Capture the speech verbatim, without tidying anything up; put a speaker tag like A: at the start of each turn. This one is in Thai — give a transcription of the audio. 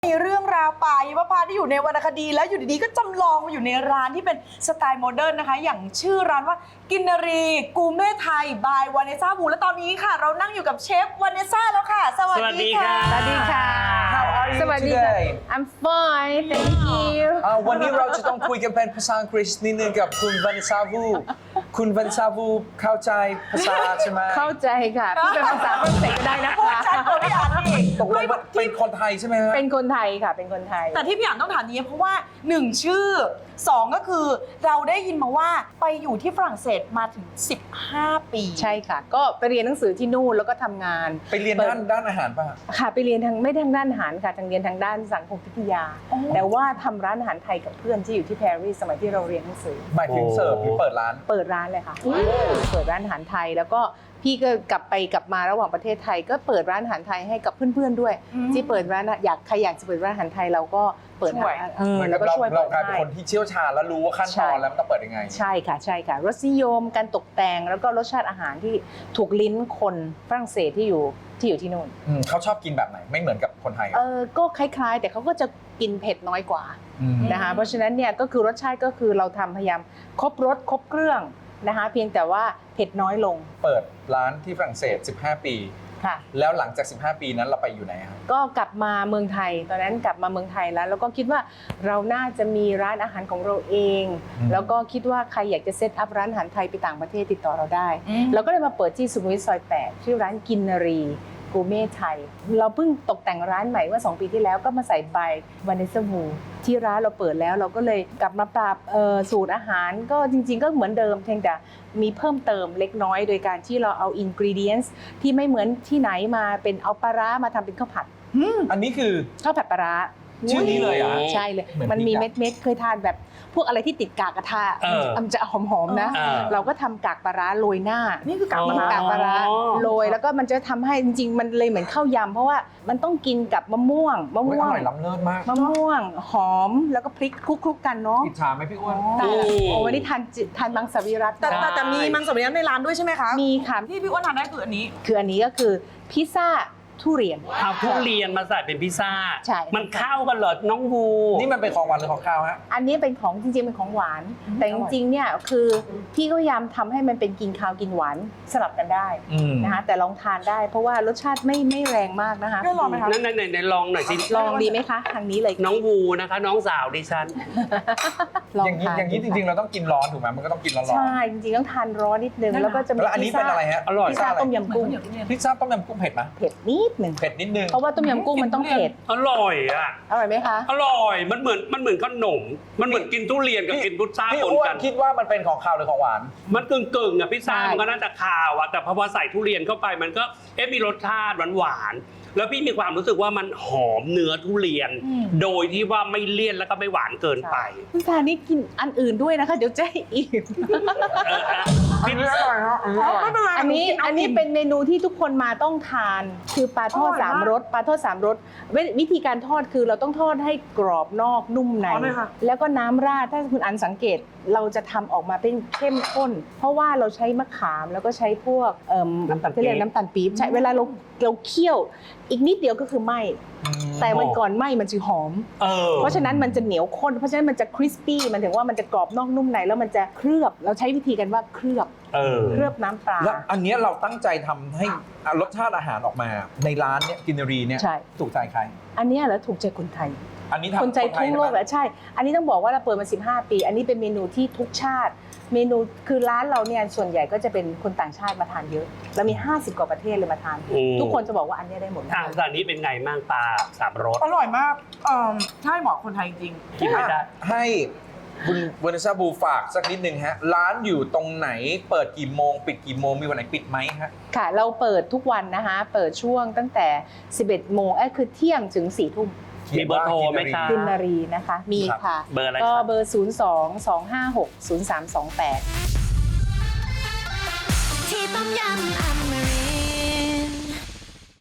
A: มีเรื่องราวป่าหิมพานต์ที่อยู่ในวรรณคดีแล้วอยู่ดีๆก็จำลองมาอยู่ในร้านที่เป็นสไตล์โมเดิร์นนะคะอย่างชื่อร้านว่ากินนารีกูเม่ไทยบายวานิซ่าบูและตอนนี้ค่ะเรานั่งอยู่กับเชฟวานิซ่าแล้วค่ะสวัสดีค่ะ
B: สวัสดีค่ะ
C: How are you
B: สวัสดีค่ะ
C: today?
B: I'm fine thank you
C: อ่าวันนี้เราจะต้องคุยกันเป็นภาษาอังกฤษนิดนึงกับคุณวานิซาวูคุณวานิซาวูเข้าใจภาษาใช่ไหม
B: เข้าใจค่ะพี่เป็นภาษาฝรั่งเศสก็ได้นะ
A: พูด
B: คะ
A: ชัดกว่าพี่อ่านอีก
C: ตกลงว่าเป็นคนไทยใช่ไหมฮะ
B: เป็นคนไทยค่ะเป็นคนไทย
A: แต่ที่พี่อ่านต้องถามนี้เพราะว่าหนึ่งชื่อสองก็คือเราได้ยินมาว่าไปอยู่ที่ฝรั่งเศสมาถึงสิบห้าปี
B: ใช่ค่ะ ก็ไปเรียนหนังสือที่นู่นแล้วก็ทำงาน
C: ไปเรียนด้านด้านอาหารป่ะ
B: ค่ะไปเรียนทางไม่ได้ทางด้านอาหารค่ะทางเรียนทางด้านสังคมวิทยา แต่ว่าทำร้านอาหารไทยกับเพื่อนที่อยู่ที่ปารีสสมัยที่เราเรียนหนังสือ
C: หมายถึงเสิร์ฟหรือเปิดร้าน
B: เปิดร้านเลยค่ะเปิดร้านอาหารไทยแล้วก็พี่ก็กลับไปกลับมาระหว่างประเทศไทย ก็เปิดร้านอาหารไทยให้กับเพื่อนๆด้วย ที่เปิดร้านอยากใครอยากจะเปิดร้านอาหารไทยเราก็เปิดร้านเออ
C: เหมือน
B: แล้
C: กับ
B: วก็
C: เรา
B: ช่วย
C: เรา
B: เปิด
C: กลายเป็น
B: ให้
C: คนที่เชี่ยวชาญแล้วรู้ว่าขั้นตอนแล้วมันต้องเปิดยังไง
B: ใช่ค่ะใช่ค่ะรสนิยมการตกแต่งแล้วก็รสชาติอาหารที่ถูกลิ้นคนฝรั่งเศสที่อยู่ที่อยู่ที่นู่น
C: อืมเขาชอบกินแบบไหนไม่เหมือนกับคนไทย
B: เออก็คล้ายๆ แต่เขาก็จะกินเผ็ดน้อยกว่า
C: อืม
B: นะคะเพราะฉะนั้นเนี่ยก็คือรสชาติก็คือเราทำพยายามครบรสครบเครื่องนะคะเพียงแต่ว่าเผ็ดน้อยลง
C: เปิดร้านที่ฝรั่งเศสสิบห้า ปี
B: ค่ะ
C: แล้วหลังจากสิบห้า ปีนั้นเราไปอยู่ไหนครับ
B: ก็กลับมาเมืองไทยตอนนั้นกลับมาเมืองไทยแล้วแล้วก็คิดว่าเราน่าจะมีร้านอาหารของเราเอง
C: อืม
B: แล้วก็คิดว่าใครอยากจะเซตอัพร้านอาหารไทยไปต่างประเทศติดต่อเราได้
A: อืม
B: เราก็เลยมาเปิดที่สุขุมวิทซอยแปดชื่อร้านกินนารีกูเม่ไทย เราเพิ่งตกแต่งร้านใหม่เมื่อสองปีที่แล้วก็มาใส่ใบวานิสวูที่ร้านเราเปิดแล้วเราก็เลยกลับมาปรับเอ่อสูตรอาหารก็จริงๆก็เหมือนเดิมเพียงแต่มีเพิ่มเติมเล็กน้อย โดยการที่เราเอาอินกรีเดียนส์ที่ไม่เหมือนที่ไหนมาเป็นเอาปลาร้ามาทำเป็นข้าวผัด
C: อันนี้คือ
B: ข้าวผัดปลาร้า
C: ชื่อนี้เลยเหรอ
B: ใช่เลย
C: เหมือน
B: มันมี
C: พริกอะ
B: เม็ดๆเคยทานแบบพวกอะไรที่ติดกากกระทะ
D: เออ
B: มันจะหอมๆนะ
D: เออ
B: เราก็ทำกากปลาร้าโรยหน้า
A: นี่คือกลับ
B: มั
A: มาน
B: กากปลาร้า
D: อ๋อ
B: โรยแล้วก็มันจะทำให้จริงๆ มันเลยเหมือนข้าวยำเพราะว่ามันต้องกินกับมะม่วงมะ
C: โอ้ย
B: ม่
C: อ
B: วง
C: ร่อยล้ำเลิศมาก
B: มะม่วงหอมแล้วก็พริกคลุกๆกันเนาะ
C: อิจฉาไหมพี่อ้วน
B: แต่โอ้วันนี้ทานจิทานมังสวิรัต
A: แต่แต่แต่มีมังสวิรัติในร้านด้วยใช่ไหมคะ
B: มีค่ะ
A: ที่พี่อ้วนทานได้คืออันนี้
B: คืออันนี้ก็คือพิซซ่าทุเรียน
D: เอาทุเรียนมาใส่เป็นพิซซ่า
B: ใช่
D: มันเข้ากันเหรอน้องวู
C: นี่มันเป็นของหวานหรือของข้าวฮะ
B: อันนี้เป็นของจริงๆเป็นของหวาน แต่จริงๆเนี่ยคือพี่ก็พยายามทำให้มันเป็นกินข้าวกินหวานสลับกันได้
C: อืม
B: นะคะแต่ลองทานได้เพราะว่ารสชาติไม่ไม่แรงมากนะคะ
A: ได้ลองไหมคะ
D: นั่นไหนไหนลองหน่อยสิ
B: ลองดีไหมคะทางนี้เลย
D: น้องวูนะคะ น้องสาวดิฉัน
B: ลอง
C: อย่างนี้
B: ทาน
C: อย่างนี้จริงๆ เราต้องกินร้อนถูกไหมมันก็ต้องกินร้อนๆ
B: ใช่จริงๆต้องทานร้อนนิดนึง
A: นั่นน่ะ
B: แล้วก็จะมี
C: แล้วอันนี้เป็นอะไรฮะ
D: อร่อย
B: พิซซ่าต้มยำกุ้ง
C: พิซซ่าต้มยำกุ้งเผ็ดไหม
B: เผ็ดนิดนึง
C: เผ็ดนิดนึง
B: เพราะว่าต้มยำกุ้งมันต้องเผ็ด
D: อร่อยอ่ะ
B: อร่อยไหมคะ
D: อร่อย มันเหมือนมันเหมือนขนม มันเหมือนกินทุเรียนกับกินพุทรา
C: พี่
D: ปน
C: อ้ว
D: กัน น
C: คิดว่ามันเป็นของข้าวหรือของหวาน
D: มันกึ่งกึ่งๆอ่ะพิซซ่า
B: ใช่
D: มันก็น่าจะคาวอ่ะแต่พอใส่ทุเรียนเข้าไปมันก็เอ๊ะมีรสชาติหวานหวานๆแล้วพี่มีความรู้สึกว่ามันหอมเนื้อทุเรียน โดยที่ว่าไม่เลี่ยนแล้วก็ไม่หวานเกินไป
B: คุณทานนี่กินอันอื่นด้วยนะคะ เดี๋ยวจะให้อิ่ม
D: เอออ่ะ
C: อันนี้อร่อยฮะอันนี้อร่อย
A: ไม่เป็นไร
B: อันนี้
A: หกิ
B: อันนี้
A: า
B: เป็นเมนูที่ทุกคนมาต้องทาน คือปลาทอด
A: อร่อยมาก
B: สามรสปลาทอดสามรสเววิธีการทอดคือเราต้องทอดให้กรอบนอกนุ่มใน
A: อ๋อเลยค่ะ
B: แล้วก็น้ำราดถ้าคุณอันสังเกตเราจะทำออกมาเป็นเข้มข้น เพราะว่าเราใช้มะขามแล้วก็ใช้พวกเอ่อ
D: น้ำตาลปี๊บ
B: ที่เรียกน้ำตาลปี๊บใช่เวลาเราเราเคี่ยว อีกนิดเดียวก็คือไหมแต่มันก่อนไหมมันจะหอม
D: เออ
B: เพราะฉะนั้นมันจะเหนียวข้น เพราะฉะนั้นมันจะคริสปี้มันถึงว่ามันจะกรอบนอกนุ่มในแล้วมันจะเคลือบเราใช้วิธีกันว่าเคลือบ
D: เออ
B: เคลือบน้ำปลา
C: แล้วอันเนี้ยเราตั้งใจทำให้รสชาติอาหารออกมา ในร้านเนี่ยกินนารีเนี่ย
B: ใช่
C: ถูกใจใคร
B: อันเนี้ยเหรอถูกใจคนไทย
C: อันนี้ทำ
B: คนใจทั่วโลก
C: แห
B: แหละใช่ อันนี้ต้องบอกว่าเราเปิดมาสิบห้าปี อันนี้เป็นเมนูที่ทุกชาติ เมนูคือร้านเราเนี่ยส่วนใหญ่ก็จะเป็นคนต่างชาติมาทานเยอะเรามีห้าสิบกว่าประเทศเลยมาทาน
D: อืม
B: ทุกคนจะบอกว่าอันเนี้ยได้หมด
D: อ่ะตอนนี้เป็นไงมั่งปลาสามรส
A: อร่อยมากเอ่อใช่เหมาะคนไทยจริง
D: กินไม่ได้
C: ให้คุณวานิซาบูฝากสักนิดนึงฮะ ร้านอยู่ตรงไหนเปิดกี่โมง ปิดกี่โมงมีวันไหนปิดไหมฮะ
B: ค่ะ เราเปิดทุกวันนะคะ เปิดช่วงตั้งแต่ สิบเอ็ดโมงเอ้ยคือเที่ยงถึงสี่ทุ่ม
D: มีเบอร์โทรไหมคะ
B: กินนารีนะคะ มีค่ะ
D: เบอร์อะไร
B: ก็
D: ครับ
B: เบอร์ ศูนย์ สอง สอง ห้า หก ศูนย์ สาม สอง แปด
E: ที่ต้มยำอเม